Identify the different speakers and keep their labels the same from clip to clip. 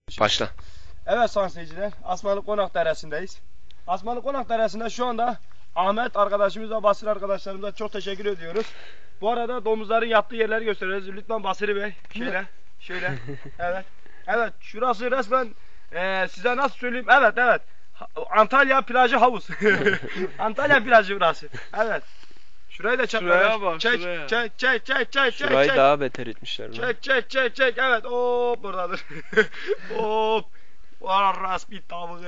Speaker 1: Başla.
Speaker 2: Evet sayın seyirciler, Asmalı Konak Deresi'ndeyiz. Asmalı Konak Deresi'nde şu anda Ahmet arkadaşımız ve Basri arkadaşlarımıza çok teşekkür ediyoruz. Bu arada domuzların yattığı yerleri gösteriyoruz. Lütfen Basri Bey, şöyle. Evet. Evet, şurası resmen size nasıl söyleyeyim? Evet. Antalya plajı havuz. Antalya plajı burası. Evet. Şurayı da çek.
Speaker 3: Şuraya bak,
Speaker 2: Çek.
Speaker 1: Şurayı daha beter etmişler.
Speaker 2: Çek. Evet. Hop buradadır. Hop. Varas bir tavuğu.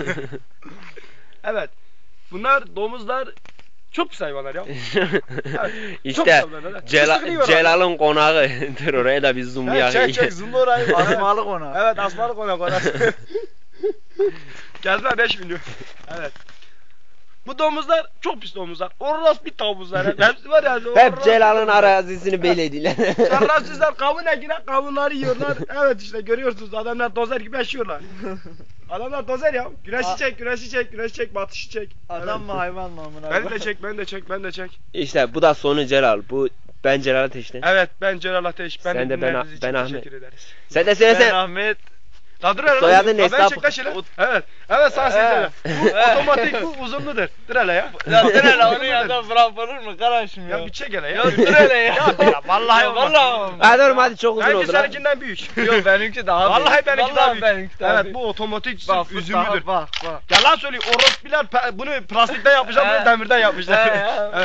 Speaker 2: Evet. Bunlar domuzlar çok pis hayvanlar ya. Evet,
Speaker 1: İşte Celal'ın konağı. Dur oraya da bir zoomlayalım.
Speaker 2: Çek zoomla orayı.
Speaker 3: Asmalı Konak.
Speaker 2: Evet, Asmalı Konak orası. Geldiler 5 milyon. Evet. Bu domuzlar çok pis domuzlar. Orası bir tavuzlar. Hepsi var ya.
Speaker 1: Hep Celal'ın arazisini beylediler.
Speaker 2: Şerefsizler kavun ekine kavunları yiyorlar. Evet işte görüyorsunuz adamlar dozer gibi yaşıyorlar. Adamlar dozer ya. Güneşi çek, batışı çek.
Speaker 3: Adam mı hayvan mı amına?
Speaker 2: Ben de çek.
Speaker 1: İşte bu da sonu Celal. Bu ben Celal Ateş'te.
Speaker 2: Evet ben Celal Ateş.
Speaker 1: Sen de ben Ahmet.
Speaker 2: Teşekkür ederiz.
Speaker 1: Sen de
Speaker 3: Ben
Speaker 1: söylesene.
Speaker 3: Ahmet.
Speaker 1: Soyadın
Speaker 2: ne?
Speaker 1: hesabı.
Speaker 2: Evet sağ seyirciler. Bu otomatik bu uzunludur. Dur hele ya.
Speaker 3: Ya dur hele onu ya bırakılır mı kardeşim ya?
Speaker 2: Ya bir çek hele ya.
Speaker 3: Ya dur hele ya.
Speaker 2: Ya vallahi olmaz.
Speaker 1: Hadi oğlum hadi çok uzun
Speaker 2: Benimki
Speaker 1: oldu lan.
Speaker 2: seninkinden büyük.
Speaker 3: Yok benimki daha büyük.
Speaker 2: Vallahi benimki daha büyük.
Speaker 3: Benimki daha
Speaker 2: Evet
Speaker 3: büyük.
Speaker 2: bu otomatik
Speaker 3: Bak,
Speaker 2: üzümlüdür.
Speaker 3: Bak.
Speaker 2: Yalan söylüyor. Orospiler bunu plastikten yapmışlar, bunu demirden yapmışlar.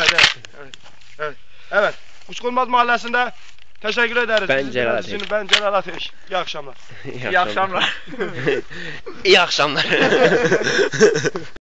Speaker 2: Evet. Kuşkonmaz Mahallesi'nde teşekkür ederiz.
Speaker 1: Ben Celal Ateş.
Speaker 2: Ben Celal Ateş. İyi akşamlar.
Speaker 3: İyi akşamlar.
Speaker 1: İyi akşamlar.